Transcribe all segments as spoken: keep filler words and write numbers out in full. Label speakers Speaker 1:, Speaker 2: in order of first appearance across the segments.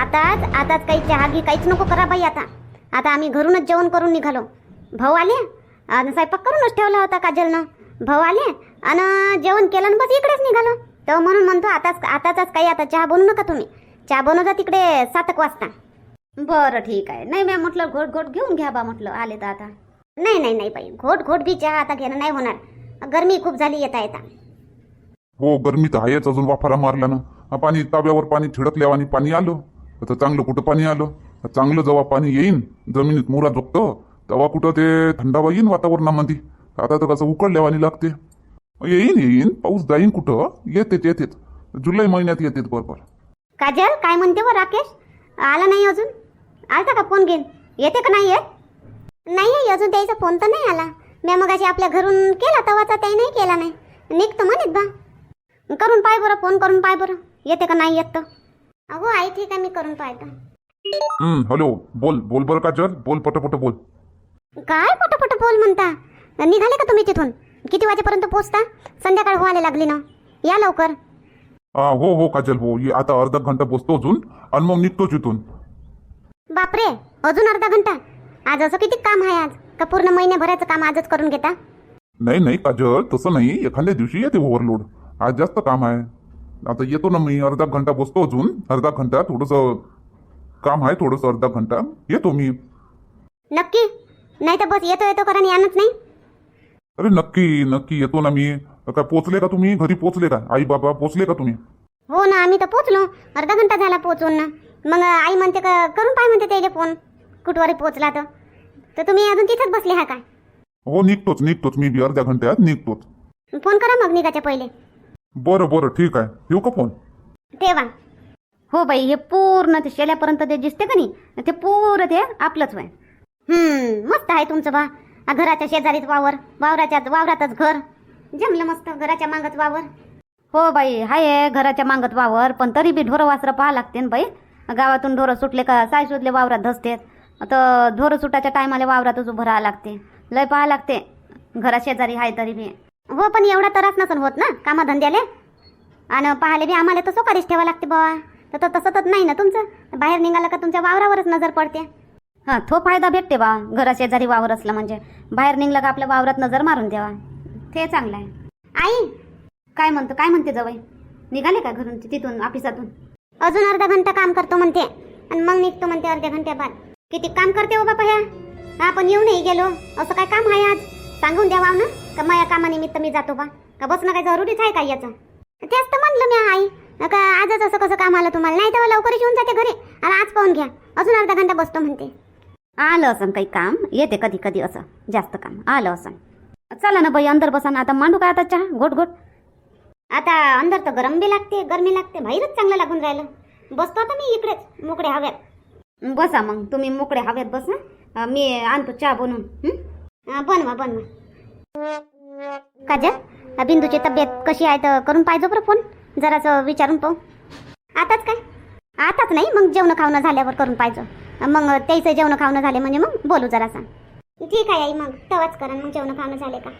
Speaker 1: आताच आताच काही चहा घी काहीच नको करा बाई. आता आता आम्ही घरूनच जेवण करून निघालो. भाऊ आले आणि स्वयंपाक करूनच ठेवला होता काजलनं. भाऊ आले आणि जेवण केलं आणि बस इकडेच निघालो. तर म्हणून म्हणतो आताच आताच काही आता चहा बनवू नका तुम्ही. चहा बनवता तिकडे सात एक वाजता. बरं ठीक आहे. नाही मॅम म्हटलं घोट घोट घेऊन घ्या बा म्हटलं आले तर आता. नाही नाही नाही बाई घोट घोट बी चहा आता घेणं नाही होणार. गरमी खूप झाली येता येता.
Speaker 2: हो गरमी तर आहेच. अजून वाफारा मारला ना पाणी ताब्यावर पाणी छिडकल्यावर आणि पाणी आलं तर चांगलं कुठं पाणी आलं. चांगलं जेव्हा पाणी येईन जमिनीत मुरा झोपतं तेव्हा कुठं ते थंडावा येईन वातावरणामध्ये. आता तर कसं उकळल्यावानी लागते. येईन येईन पाऊस जाईन कुठं येतेच येतेच जुलै महिन्यात येतेच बरोबर.
Speaker 1: काजल काय म्हणते व राकेश आला नाही अजून. आलता का फोन घेऊन येते का नाही येत. नाही अजून त्याचा फोन तर नाही आला. मी मगाशी आपल्या घरून केला तवाचा त्याही नाही केला नाही. निघतो म्हणत बा. करून पाय बरं फोन करून पाय बरं येते का नाही येत तर. अहो आई ठीक आहे मी करून पाहतो.
Speaker 2: हम्म हॅलो बोल बोल बरं काजल बोल पटपट बोल.
Speaker 1: काय पटपट बोल म्हणता. निघाले का तुम्ही तिथून. किती वाजेपर्यंत पोहोचता. संध्याकाळ व्हायला लागली ना. या लवकर.
Speaker 2: हा हो हो काजल हो ये आता अर्धा घंटा बसतो अजून आणि मग निघतोच इथून.
Speaker 1: बापरे अजून अर्धा घंटा. आज असं किती काम आहे आज का पूर्ण महिन्याभराचं काम आजच करून घेता.
Speaker 2: नाही नाही काजल तसं नाही एखाद्या दिवशी येते ओव्हरलोड. आज जास्त काम आहे. आता येतो ना मी अर्धा घंटा बसतो अजून. अर्धा घंटा थोडंसं काम आहे थोडंसं अर्धा घंटा येतो मी.
Speaker 1: नक्की नाही तर बस येतो येतो कारण यानच नाही.
Speaker 2: अरे नक्की नक्की येतो ना मी. काय पोचले का तुम्ही घरी पोचले का आई बाबा पोचले का तुम्ही.
Speaker 1: हो ना आम्ही तर पोचलो. अर्धा घंटा झाला पोचून ना. मग आई म्हणते का करून पाय म्हणते त्याला फोन कुठवरी पोचला तर. तर तुम्ही अजून तिथंच बसले हा काय.
Speaker 2: हो निघतोच निघतोच मी बी अर्ध्या घंट्यात निघतोच.
Speaker 1: फोन करा मग निघायच्या पहिले.
Speaker 2: बरं बरं ठीक आहे ठेवू का फोन.
Speaker 1: ठेवा. हो बाई हे पूर्ण ते शेल्यापर्यंत ते दिसते का नाही ते पूर्ण ते आपलंच वय. हम्म मस्त आहे तुमचं बा. घराच्या शेजारीच वावर वावराच्या वावरातच घर. जमलं मस्त घराच्या मागच वावर. हो बाई हाय घराच्या मागत वावर पण तरी बी ढोरं वासरं पाहा लागते ना बाई. गावातून ढोरं सुटले का साय सुटले वावरात धसतेत. तर ढोरं सुटाच्या टायमाला वावरातच उभं राहावं लागते. लय पाहा लागते घरा शेजारी हाय तरी बी. हो पण एवढा त्रास नसन होत ना कामधंद्याले. आणि पाहाले बी आम्हाला तर सोकारीच ठेवा लागते बाबा. तर तसं तर नाही ना तुमचं. बाहेर निघालं का तुमच्या वावरावरच नजर पडते. हां तो फायदा भेटते बा घरा शेजारी वावर असलं म्हणजे. बाहेर निघलं का आपल्या वावरात नजर मारून द्यावा ते चांगलं आहे. आई काय म्हणतो काय म्हणते जवळ निघाले का घरून तिथून ऑफिसातून. अजून अर्धा घंटा काम करतो म्हणते आणि मग निघतो म्हणते अर्ध्या घंट्या बाद. किती काम करते हो बापा ह्या. आपण येऊनही गेलो असं काय काम आहे आज सांगून द्यावा ना का माझ्या कामानिमित्त मी जातो बा का बसणं काय जरुरीच आहे काय याचं. तेच तर म्हणलं मी आई का आजच असं कसं काम आलं तुम्हाला. नाही तेव्हा लवकरच येऊन जाते घरी आणि आज पाहून घ्या अजून अर्धा घंटा बसतो म्हणते. आलं असं काही काम येते कधी कधी असं जास्त काम आलं असं. चला ना बाई अंदर बसा ना. आता मांडू काय आता चहा घोट घोट. आता अंदर तर गरम बी लागते गरमी लागते. बाहेरच चांगलं लागून राहिलं. बसतो आता मी इकडेच मोकळ्या हव्यात. बसा मग तुम्ही मोकळ्या हव्यात बसा. मी आणतो चहा बनवून. बनवा बनवा. काजल बिंदूची तब्येत कशी आहे तर करून पाहिजे बरं फोन जरासं विचारून पाहू. आताच काय आताच नाही मग जेवण खावणं झाल्यावर करून पाहिजे. मग त्याचं जेवण खावणं झाले म्हणजे मग बोलू जरासा. ठीक आहे आई मग तेव्हाच करा मग जेवण खावणं झाले का.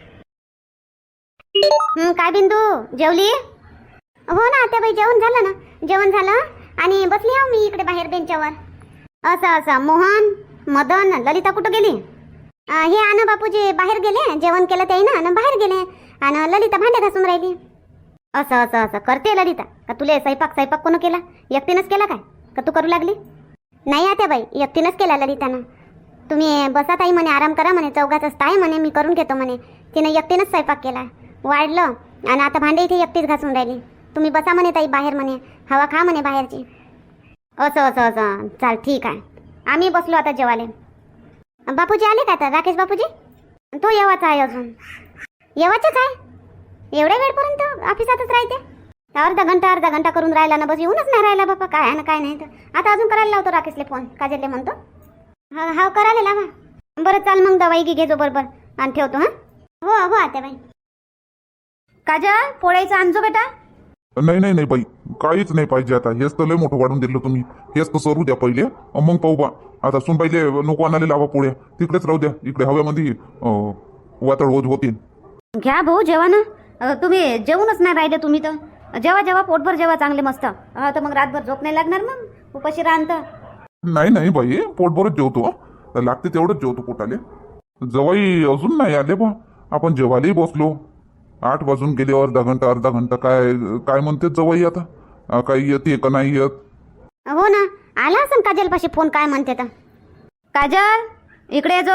Speaker 1: हं, काय बिंदू जेवली. हो ना आता बाई जेवण झालं ना. जेवण झालं आणि बसली आहो मी इकडे बाहेर बेंचावर. असं असं मोहन मदन ललिता कुठं गेली. हे आना बापूजी बाहेर गेले जेवण केलं ते ना बाहेर गेले आणि ललिता भांडे घासून राहिली. असं असं असं करते ललिता का तुले स्वयंपाक स्वयंपाक कोण केला एकटीनंच केला काय का तू करू लागली. नाही आता बाई एकटीनंच केला ललितानं. तुम्ही बसा ताई म्हणे आराम करा म्हणे चौघातच ताई म्हणे मी करून घेतो म्हणे. तिनं एकटीनंच स्वयंपाक केला वाढलं आणि आता भांडे इथे एकटीच घासून राहिली. तुम्ही बसा म्हणे ताई बाहेर म्हणे हवा खा म्हणे बाहेरची. असं असं असं चाल ठीक आहे. आम्ही बसलो आता जेवाले. बापूजी आले का आता राकेश बापूजी. तो येवाचा आहे अजून येवाचाच आहे. एवढ्या वेळपर्यंत ऑफिसातच राहते. अर्धा घंटा अर्धा घंटा करून राहिला ना बस येऊनच नाही राहिला बापा काय आहे ना काय नाही. तर आता अजून करायला लावतो राकेशले फोन काजलले म्हणतो. हा हा करायला लावा. बरं चाल मग दवाई घे घेजो बरोबर आणि ठेवतो. हां हो हो आता बाई. काजल पोळ्याचं आणजो बेटा.
Speaker 2: नाही नाही नाही बाई काहीच नाही पाहिजे आता. हेच तर लय मोठं वाढून दिलं तुम्ही. हेच तर सरू द्या पहिले मग पाहू बा. आता सुन पाहिले नको आणाले लावा पोळ्या तिकडेच राहू द्या. इकडे हव्यामध्ये वातळ होत होतील.
Speaker 1: घ्या भाऊ जेवा ना. तुम्ही जेवूनच नाही राहिले तुम्ही तर. जेव्हा जेव्हा पोटभर जेव्हा चांगले मस्त तर मग रातभर झोप नाही लागणार. मग उपाशी राहतं.
Speaker 2: नाही नाही बाई, पोटभरच जेवतो. लागते तेवढंच जेवतो पोटाले. जवाई अजून नाही आले बा. आपण जेवायलाही बसलो. आठ वाजून गेले. अर्धा घंटा अर्धा घंटा काय काय म्हणते जवाई आता? अं, काही येते का नाही येत?
Speaker 1: हो ना, आला असं काजल पाशी फोन. काय म्हणते तर? काजल इकडे ये जो.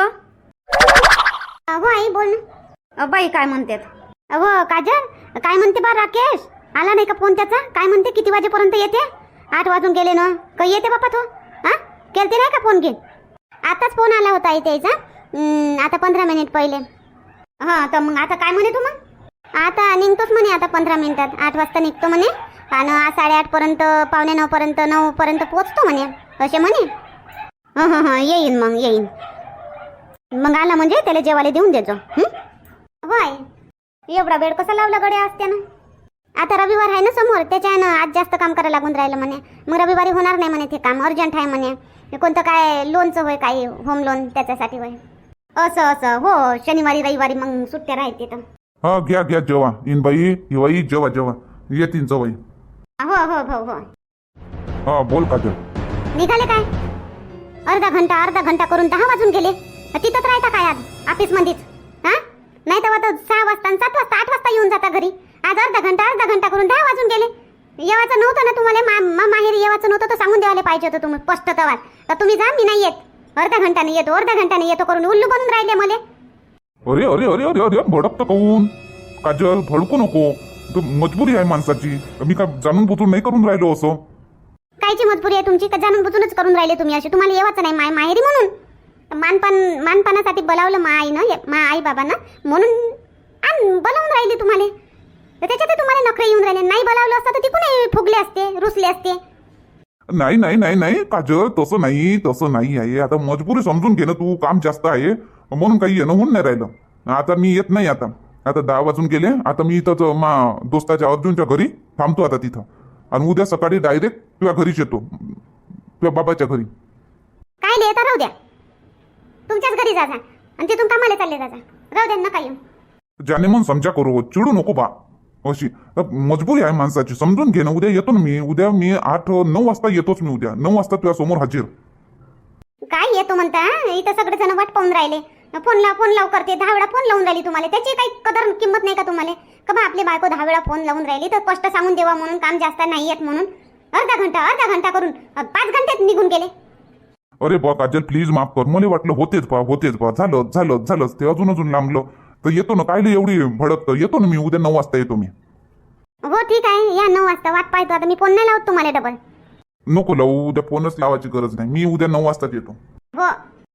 Speaker 1: हो आई बोल ना. बाई काय म्हणतात? हो काजल काय म्हणते बा? राकेश आला नाही का फोन त्याचा? काय म्हणते किती वाजेपर्यंत येते? आठ वाजून गेले ना. काही येते बापा तो? हा केलते नाही का फोन घेऊन? आताच फोन आला होता इथे याचा. आता पंधरा मिनिट पहिले. हां तर मग आता काय म्हणे तू? मग आता निघतोच म्हणे. आता पंधरा मिनिटात आठ वाजता निघतो म्हणे. आणि साडेआठ पर्यंत पावणे नऊ पर्यंत नऊ पर्यंत पोचतो म्हणे असे म्हणे. हां हां हां येईन मग येईन. मग आला म्हणजे त्याला जेवायला देऊन देजो. होय एवढा वेळ कसा लावला गड्या असते ना? आता रविवार आहे ना समोर, त्याच्यानं आज जास्त काम करायला लागून राहिलं म्हणे. मग रविवारी होणार नाही म्हणे ते काम, अर्जंट आहे म्हणे. कोणतं काय लोनचं होय, काही होम लोन त्याच्यासाठी होय. असं असं हो, शनिवारी रविवारी मग सुट्ट्या राहते तर.
Speaker 2: हा घ्या घ्या जेवा. इन बाई हिवाई जेवा जेवा. येतीन जवाई.
Speaker 1: हो हो हो हो.
Speaker 2: हा बोल काजल.
Speaker 1: निघाले काय? अर्धा घंटा अर्धा घंटा करून दहा वाजून गेले. तिथंच राहता काय आज ऑफिस मध्येच? हा नाही तर आता सहा वाजता सात वाजता आठ वाजता येऊन जाता घरी. आज अर्धा घंटा अर्धा घंटा करून दहा वाजून गेले. येवाचं नव्हतं ना तुम्हाला? मा माहेरी येवाचं नव्हतं तर सांगून द्यायला पाहिजे होतं तुम्ही स्पष्ट तवाल. तर तुम्ही जा, मी नाही येत. अर्धा घंटाने येतो अर्धा घंटाने येतो करून उल्लू बनून राहिले मला.
Speaker 2: अरे अरे अरे अरे अरे भडकतं काऊन? काजल भडकू नको. तू मजबुरी आहे माणसाची. मी काय जाणून बुजून नाही करून राहिलो असं.
Speaker 1: कायची मजबुरी आहे तुमची? का जाणून बुजूनच करून राहिले तुम्ही असे? तुम्हाला येवाचं नाही माय माहेरी म्हणून मानपान मानपानासाठी बोलावलं मा आईनं, मा आई बाबांना म्हणून आण बोलावून राहिली तुम्हाला. तर त्याच्यात तुम्हाला नखरे येऊन राहिले. नाही बोलावलं असतं तर तिकून फुगले असते, रुसले असते.
Speaker 2: नाही नाही नाही नाही काजल, तसं नाही तसं नाही आहे. आता मजबुरी समजून घे ना तू. काम जास्त आहे म्हणून काही येणं होऊन नाही राहिलं. आता मी येत नाही. आता आता दहा वाजून गेले. आता मी इथंच मा दोस्ताच्या अर्जुनच्या घरी थांबतो आता तिथं. आणि उद्या सकाळी डायरेक्ट तुझ्या घरीच येतो, तुझ्या बाबाच्या घरी.
Speaker 1: काय लिहिता? राहू द्या, तुमच्याच घरी जा जा आणि तिथून कामाला चालले जा जा. राहू द्या नका येऊ.
Speaker 2: ज्याने मन समजा करू, चिडू नको बा. अशी मजबुरी आहे माणसाची, समजून घे ना. उद्या येतो ना मी. उद्या मी आठ नऊ वाजता येतोच मी. उद्या नऊ वाजता तुझ्या समोर हजर.
Speaker 1: काय येतो म्हणता? इथं सगळे जण वाट पाहून राहिले. फोन लाव फोन लाव करते. दहा वेळा फोन लावून राहिली तुम्हाला. त्याची काही कदर किंमत नाही का तुम्हाला? का बा आपली बायको दहा वेळा फोन लावून राहिली तर स्पष्ट सांगून देवा म्हणून, काम जास्त नाही येत म्हणून. अर्धा घंटा अर्धा घंटा करून पाच घंट्यात निघून गेले.
Speaker 2: अरे बा काजल प्लीज माफ कर. मला वाटलं होतेच बा होतेच बा. झालं झालं झालंच ते. अजून अजून लांबलं तर येतो ना. कायले एवढी भडकतं? येतो ना मी. उद्या नऊ वाजता येतो मी.
Speaker 1: हो ठीक आहे या नऊ वाजता. वाट पाहतो आता मी. फोन नाही लावत तुम्हाला डबल.
Speaker 2: नको लावू. उद्या फोनच लावायची गरज नाही. मी उद्या नऊ वाजताच येतो.
Speaker 1: हो.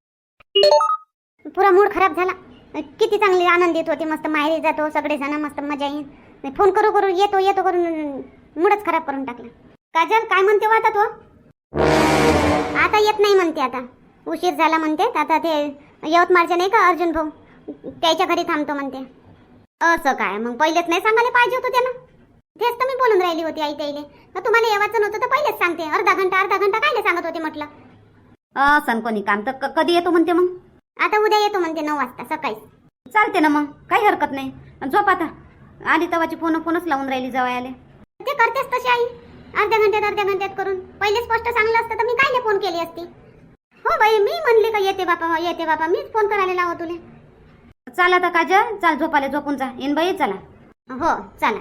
Speaker 1: पुरा मूड खराब झाला. किती चांगली आनंदित होती. मस्त माहेरी जातो सगळेजण, मस्त मजा येईल. फोन करू करू येतो येतो करून मूडच खराब करून टाकला. काजल काय म्हणते हो आता तो? आता येत नाही म्हणते. आता उशीर झाला म्हणते. आता ते यवतमाळचे नाही का अर्जुन भाऊ, त्याच्या घरी थांबतो म्हणते. असं काय? मग पहिलेच नाही सांगायला पाहिजे होतं त्यानं. तेच तर मी बोलून राहिली होती आई ताईले. तुम्हाला येवाचं नव्हतं तर पहिलेच सांगते. अर्धा घंटा अर्धा घंटा कायले सांगत होते म्हटलं. असं कोणी काम तर कधी येतो म्हणते मग? आता उद्या येतो म्हणते नऊ वाजता सकाळी. चालते ना मग, काही हरकत नाही. झोप आता. आली तवाची फोन फोनच लावून राहिली जवळ ते करतेस तशी आई. अर्ध्या घंट्यात अर्ध्या घंट्यात करून पहिले स्पष्ट सांगलं असतं तर मी कायले फोन केली असती. हो बाई मी म्हणले का येते बापा येते बापा. मीच फोन करायला लावत तुले. चला आता काजल चाल झोपाले. झोपून जा. इन बाई चला. हो चला.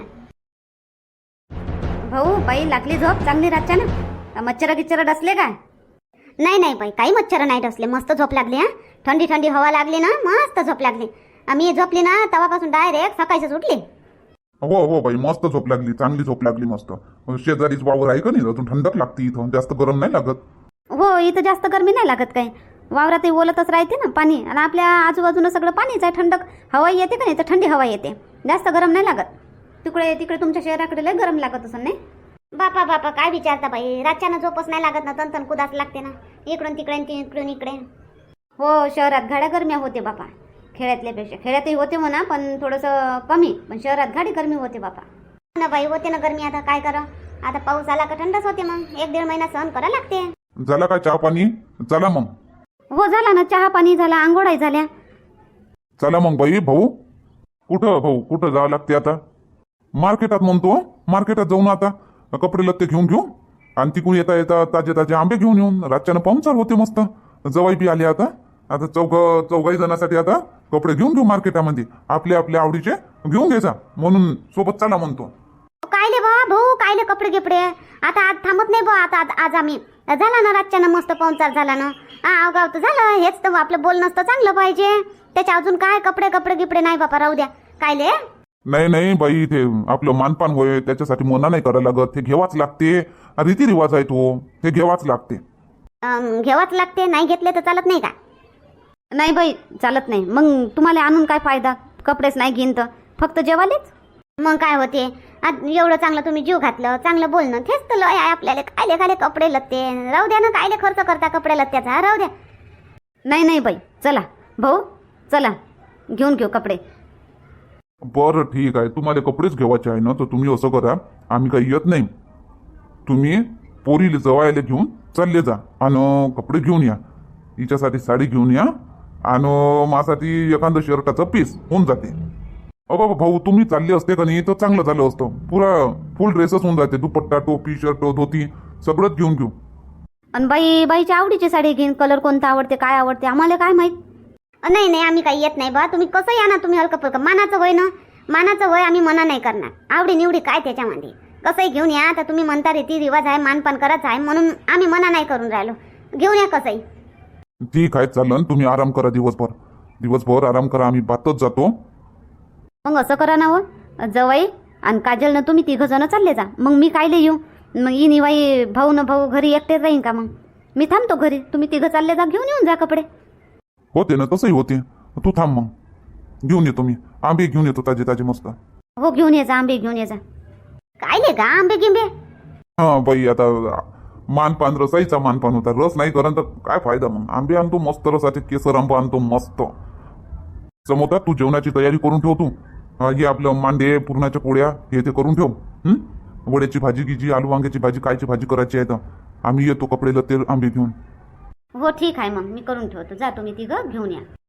Speaker 1: भाऊ बाई लागली झोप चांगली रातच्या ना? मच्छर गिच्छर डसले काय? नाही नाही बाई काही मच्छर नाही डसले. मस्त झोप लागली. हा थंडी थंडी हवा लागली ना, मस्त झोप लागली. आम्ही झोपली ना तेव्हापासून डायरेक्ट सकाळीच उठली.
Speaker 2: हो हो बाई मस्त झोप लागली. चांगली झोप लागली मस्त. शेजारीच वावर आहे का नाही? अजून थंडक लागते इथं. जास्त गरम नाही लागत. हो
Speaker 1: इथं जास्त गरमी नाही लागत. काय वावरातही ओलतच राहते ना पाणी. आणि आपल्या आजूबाजूनं सगळं पाणीच आहे. थंडक हवा येते का नाही तर थंडी हवा येते. जास्त गरम नाही लागत. तिकडे तिकडे तुमच्या शहराकडे लय गरम लागत असं नाही? बापा बापा काय विचारता बाई. रातच्यानं झोपच नाही लागत ना. तन तन कुदास लागते ना. इकडून तिकडे तिकडून इकडे. हो शहरात गाड्या गरम्या होते बापा खेड्यातल्यापेक्षा. खेड्यातही होते म्हणा पण थोडंसं कमी. पण शहरात गाडी गरमी होते बापा. ना बाई होते ना गरमी. आता काय करा. आता पाऊस आला का थंडच होते. मग एक दीड महिना सहन करा लागते.
Speaker 2: झाला काय चहा पाणी? चला मग.
Speaker 1: हो झाला ना. चहा पाणी झाला. आंघोळाही झाल्या.
Speaker 2: चला मग बाई. भाऊ कुठं? भाऊ कुठं जावं लागते आता? मार्केटात म्हणतो. मार्केटात जाऊन आता कपडे लत्ते घेऊन घेऊ. आणि तिकडून येता येता ताजे ताजे आंबे घेऊन येऊन रातच्यानं पाहुणचार होते मस्त. जवाई बी आले आता. आता चौघ चौघाही जणांसाठी आता कपडे घेऊन घेऊ मार्केटामध्ये आपल्या आपल्या आवडीचे घेऊन घ्यायचा म्हणून सोबत चला म्हणतो.
Speaker 1: कायले बा भाऊ कायले कपडे गिपडे आता आज थांबत नाही बा. आता आज- आज आम्ही झाला ना रातच्यानं मस्त पाहुणचार झाला ना. हा अवगाव तर झालं. हेच तर आपलं बोलणं तर चांगलं पाहिजे. त्याच्या अजून काय कपडे कपडे गिपडे नाही बापा राहू द्या. कायले
Speaker 2: नाही नाही बाई ते आपलं मानपान होय त्याच्यासाठी मना नाही करायला लागत. ते घेवाच लागते. रीतिरिवाज आहे तो. ते घेवाच लागते.
Speaker 1: अं, घ्यावाच लागते. नाही घेतले तर चालत नाही का? नाही बाई चालत नाही. मग तुम्हाला आणून काय फायदा? कपडेच नाही घेईन तर फक्त जेवालेच. मग काय होते आज एवढं चांगलं तुम्ही जीव घातलं चांगलं बोलणं तेच तर लय आहे आपल्याला. कायले कायले कपडे लत्ते राहू द्या ना. कायले खर्च करता कपडे लत्त्याचा राहू द्या. नाही नाही बाई चला भाऊ चला घेऊन घेऊ कपडे.
Speaker 2: बरं ठीक आहे. तुम्हाला कपडेच घेवायचे आहे ना तर तुम्ही असं करा. आम्ही काही येत नाही. तुम्ही पोरीला जवायला घेऊन चालले जा आणि कपडे घेऊन या. हिच्यासाठी साडी घेऊन या आणि माझ्यासाठी एखादं शर्टाचं पीस होऊन जाते. अ बाबा भाऊ तुम्ही चालले असते का नाही तर चांगलं झालं असतं. पुरा फुल ड्रेसच होऊन जाते. दुपट्टा टोपी शर्ट धोती सगळंच घेऊन घेऊ.
Speaker 1: आणि बाई बाईच्या आवडीची साडी घेईन. कलर कोणता आवडते काय आवडते आम्हाला काय माहित. नाही नाही आम्ही काही येत नाही बा. तुम्ही कसं या ना. तुम्ही हलकं फुलकं मानाचं वय ना. मानाचं वय आम्ही मना नाही करणार. आवडी निवडी काय त्याच्यामध्ये कसंही घेऊन या. आता तुम्ही म्हणता रीती रिवाज आहे मानपान करायचं आहे म्हणून आम्ही मना नाही करून राहिलो. घेऊन या कसंही.
Speaker 2: ठीक आहे चालन. तुम्ही आराम करा दिवसभर. दिवसभर आराम करा. आम्ही बातच जातो.
Speaker 1: मग असं करा ना व जवाई आणि काजलनं तुम्ही तिघं जण चालले जा. मग मी कायले येऊ. मग ही निवाई भाऊ न भाऊ घरी एकटेच राहीन का? मग मी थांबतो घरी. तुम्ही तिघं चालले जा घेऊन येऊन जा कपडे.
Speaker 2: होते ना तसंही होते. तू थांब मग घेऊन येतो मी. आंबे घेऊन येतो ताजे ताजे मस्त.
Speaker 1: हो घेऊन ये जा आंबे घेऊन ये जा. कायले का आंबे गिंबे.
Speaker 2: हा बाई आता मानपान रसाईचा मानपान होता. रस नाही करण तर काय फायदा. मग आंबे आणतो मस्त रसाचे. केसर आंबा आणतो मस्त. समोता तू जेवणाची तयारी करून ठेव. तू हे आपलं मांडे पुरणाच्या पोळ्या हे ते करून ठेव. हं? वड्याची भाजी गिजी आलू वांग्याची भाजी कायची भाजी करायची आहे तर आम्ही येतो कपडे लते आंबे घेऊन.
Speaker 1: हो ठीक आहे मग मी करून ठेवतो. जा तुम्ही तिघं घेऊन या.